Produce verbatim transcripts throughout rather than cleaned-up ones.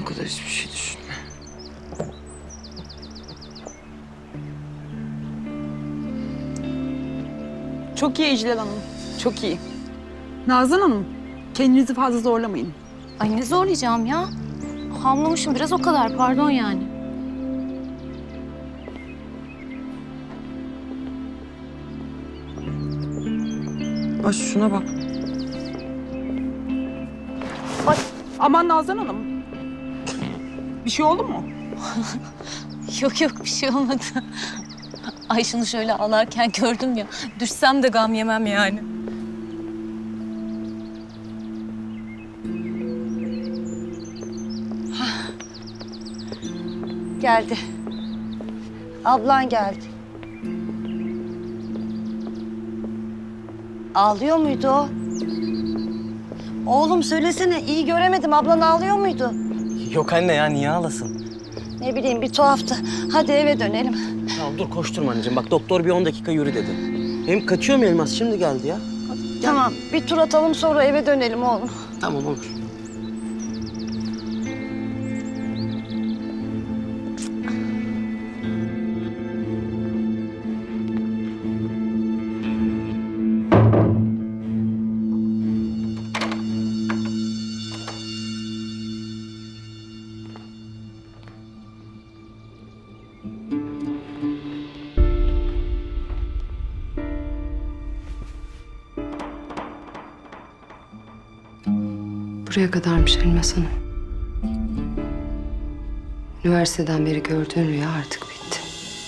kadar hiçbir şey düşünme. Çok iyi İclal Hanım, çok iyi. Nazan Hanım, kendinizi fazla zorlamayın. Ay ne zorlayacağım ya? Hamlamışım biraz o kadar, pardon yani. Bak şuna bak. Aman Nazan Hanım. Bir şey oldu mu? Yok yok bir şey olmadı. Ay şunu şöyle ağlarken gördüm ya. Düşsem de gam yemem yani. Geldi. Ablan geldi. Ağlıyor muydu o? Oğlum söylesene, iyi göremedim. Ablan ağlıyor muydu? Yok anne ya, niye ağlasın? Ne bileyim, bir tuhaftı. Hadi eve dönelim. Tamam dur, koşturma anneciğim. Bak doktor bir on dakika yürü dedi. Hem kaçıyor mu Elmas? Şimdi geldi ya. Tamam, bir tur atalım sonra eve dönelim oğlum. Tamam olur. Buraya kadarmış Elmas Hanım. Üniversiteden beri gördüğün rüya artık bitti.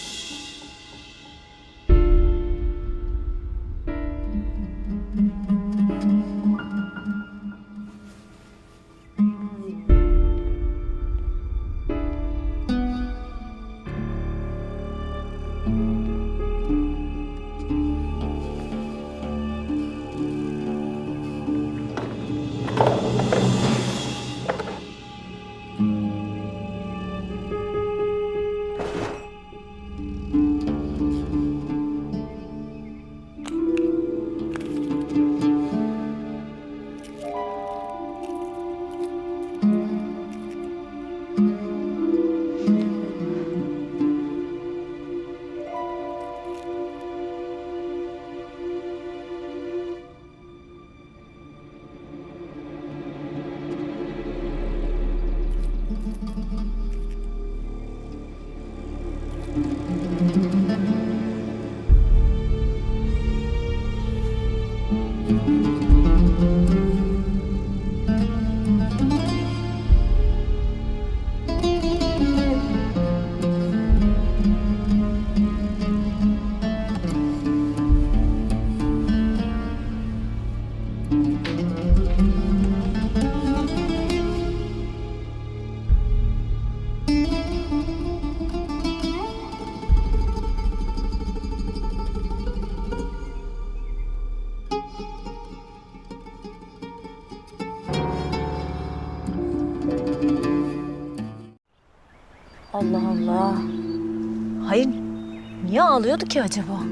Allah Allah. Hayır, niye ağlıyordu ki acaba?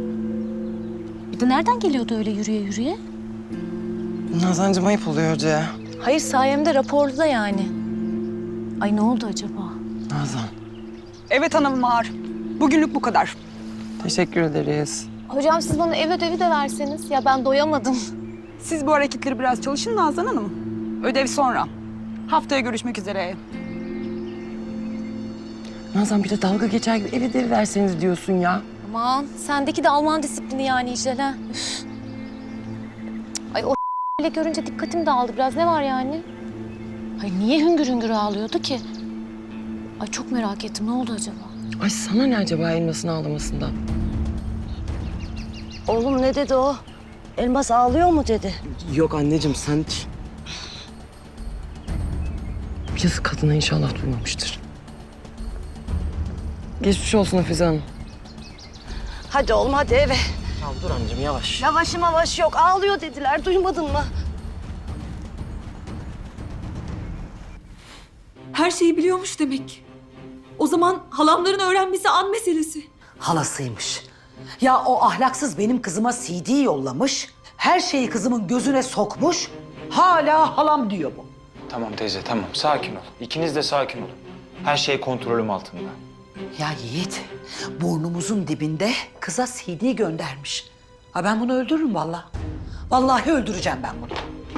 Bir de nereden geliyordu öyle yürüye yürüye? Nazancığım ayıp oluyor hoca ya. Hayır, sayemde raporlu da yani. Ay ne oldu acaba? Nazan, Evet hanım Bahar. Bugünlük bu kadar. teşekkür ederiz. Hocam siz bana ev ödevi de verseniz. Ya ben doyamadım. Siz bu hareketleri biraz çalışın Nazan Hanım. Ödev sonra. Haftaya görüşmek üzere. Nazan bir de dalga geçer gibi ev ödevi verseniz diyorsun ya. Aman sendeki de Alman disiplini yani İclal ha. Üf. Ay o ile görünce dikkatim dağıldı biraz. Ne var yani? Ay niye hüngür hüngür ağlıyordu ki? Ay çok merak ettim. Ne oldu acaba? Ay sana ne acaba Elmas'ın ağlamasından? Oğlum ne dedi o? Elmas ağlıyor mu dedi? Yok anneciğim sen... Yazık kadına, inşallah duymamıştır. Geçmiş olsun Hafize Hanım. Hadi oğlum hadi eve. Tamam dur anneciğim yavaş. Yavaş yavaş yok, ağlıyor dediler. Duymadın mı? Her şeyi biliyormuş demek. O zaman halamların öğrenmesi an meselesi. Halasıymış. Ya o ahlaksız benim kızıma C D yollamış. Her şeyi kızımın gözüne sokmuş. Hala halam diyor bu. Tamam teyze, tamam. Sakin ol. İkiniz de sakin olun. Her şey kontrolüm altında. Ya Yiğit, burnumuzun dibinde kıza C D göndermiş. Ha ben bunu öldürürüm vallahi. Vallahi öldüreceğim ben bunu.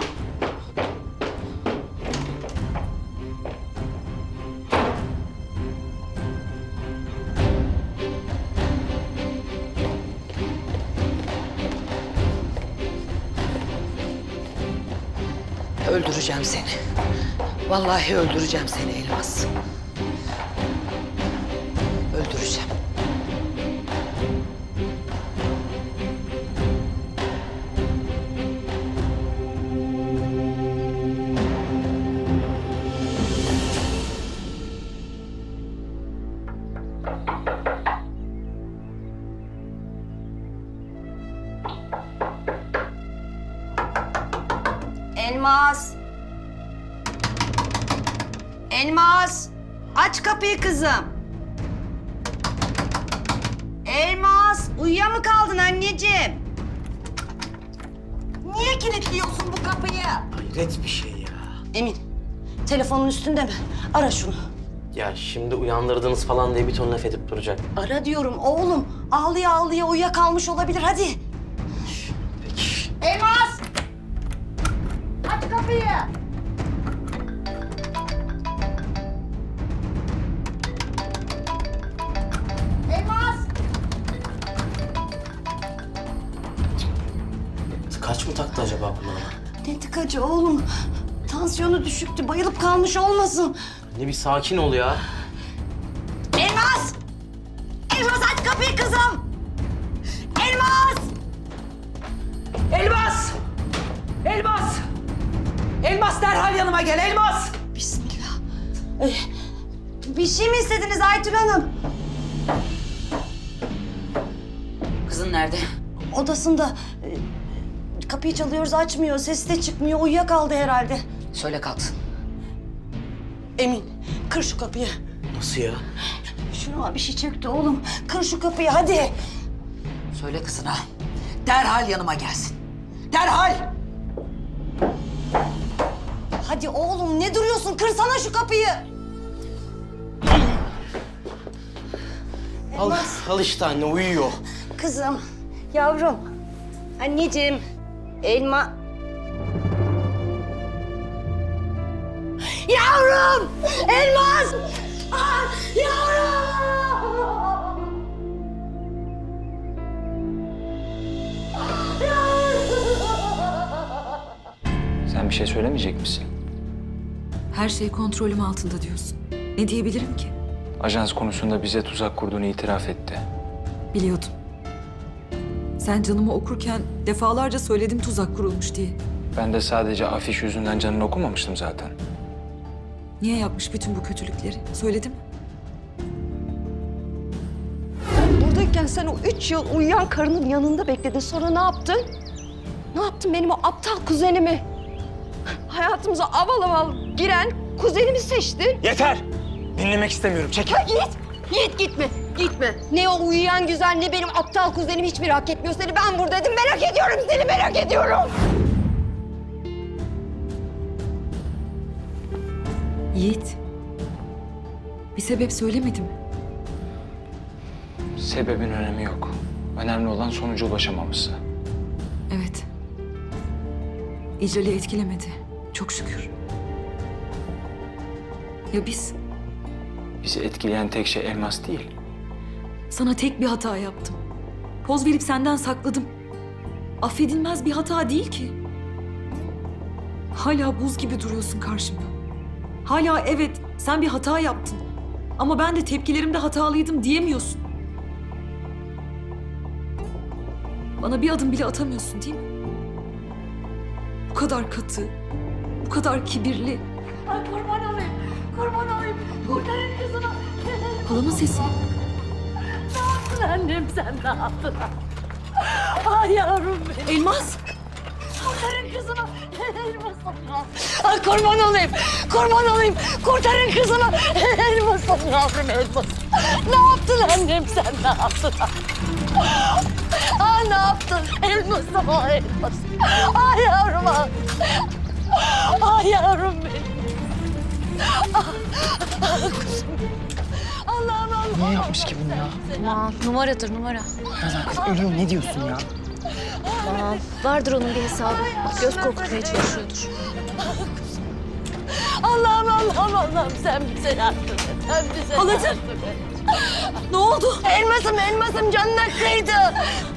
Öldüreceğim seni. Vallahi öldüreceğim seni Elmas. Öldüreceğim. Elmas. Elmas. Aç kapıyı kızım. Elmas. Uyuya mı kaldın anneciğim? Niye kilitliyorsun bu kapıyı? Hayret bir şey ya. Emin. Telefonun üstünde mi? Ara şunu. Ya şimdi uyandırdınız falan diye bir ton laf edip duracak. Ara diyorum oğlum. Ağlıya ağlıya uyuyakalmış olabilir. Hadi. Peki. Elmas. Aç kapıyı. Elmas. Kaç mı taktı acaba kulağına? Ne tıkacı oğlum? Tansiyonu düşüktü. Bayılıp kalmış olmasın. Ne bir sakin ol ya. Elmas. Elmas aç kapıyı kızım. Elmas. Elmas! Elmas! Elmas derhal yanıma gel Elmas! Bismillah. Ee, bir şey mi istediniz Aytül Hanım? Kızın nerede? Odasında. Ee, kapıyı çalıyoruz açmıyor. Sesi de çıkmıyor. Uyuyakaldı herhalde. Söyle kalksın. Emin kır şu kapıyı. Nasıl ya? Şuna bir şey çöktü oğlum. Kır şu kapıyı hadi. Söyle kızına. Derhal yanıma gelsin. Derhal! Hadi oğlum ne duruyorsun? Kırsana şu kapıyı. Al, al işte anne uyuyor. Kızım, yavrum, anneciğim, elma... Yavrum! Elmas! Ah, yavrum! Sen bir şey söylemeyecek misin? Her şey kontrolüm altında diyorsun. Ne diyebilirim ki? Ajans konusunda bize tuzak kurduğunu itiraf etti. Biliyordum. Sen canımı okurken defalarca söyledim tuzak kurulmuş diye. Ben de sadece afiş yüzünden canını okumamıştım zaten. Niye yapmış bütün bu kötülükleri? Söyledim. Buradayken sen o üç yıl uyuyan karının yanında bekledin. Sonra ne yaptın? Ne yaptın benim o aptal kuzenimi? Hayatımıza aval aval giren kuzenimi seçtin. Yeter! Dinlemek istemiyorum. Çek. Ha, Yiğit, Yiğit gitme, gitme. Ne o uyuyan güzel ne benim aptal kuzenim hiçbir hak etmiyor seni. Ben buradaydım, merak ediyorum seni, merak ediyorum. Yiğit. Bir sebep söylemedi mi? Sebebin önemi yok. Önemli olan sonuca ulaşamaması. Evet. İcral'i etkilemedi. Çok şükür. Ya biz? Bizi etkileyen tek şey elmas değil. Sana tek bir hata yaptım. Poz verip senden sakladım. Affedilmez bir hata değil ki. Hala buz gibi duruyorsun karşımda. Hala evet sen bir hata yaptın. Ama ben de tepkilerimde hatalıydım diyemiyorsun. Bana bir adım bile atamıyorsun değil mi? Bu kadar katı, bu kadar kibirli. Ay kurban olayım, kurban olayım. Kurtarın kızını. Halamın sesi. Ne yaptın annem sen ne yaptın? Ay yavrum benim. Elmas! Kurtarın kızımı. Elmas'ım. Ay kurban olayım. Kurban olayım. Kurtarın kızımı. Elmas'ım yavrum elmas'ım. Ne yaptın annem sen ne yaptın? Ay ne yaptın? Elmas'ım ay elmas'ım. Ay yavrum ay. Ay yavrum benim. Allah'ım Allah'ım. Niye yapmış ki bunu ya? Aman numaradır numara. Nazan kız ölüyor, ne diyorsun ya? Aman vardır onun bir hesabı. Göz korkutmaya çalışıyordur. Allah'ım Allah'ım Allah'ım sen bize yardım et. Sen bize Halacığım. yardım et. Ne oldu? Elmasım elmasım canına kıydı.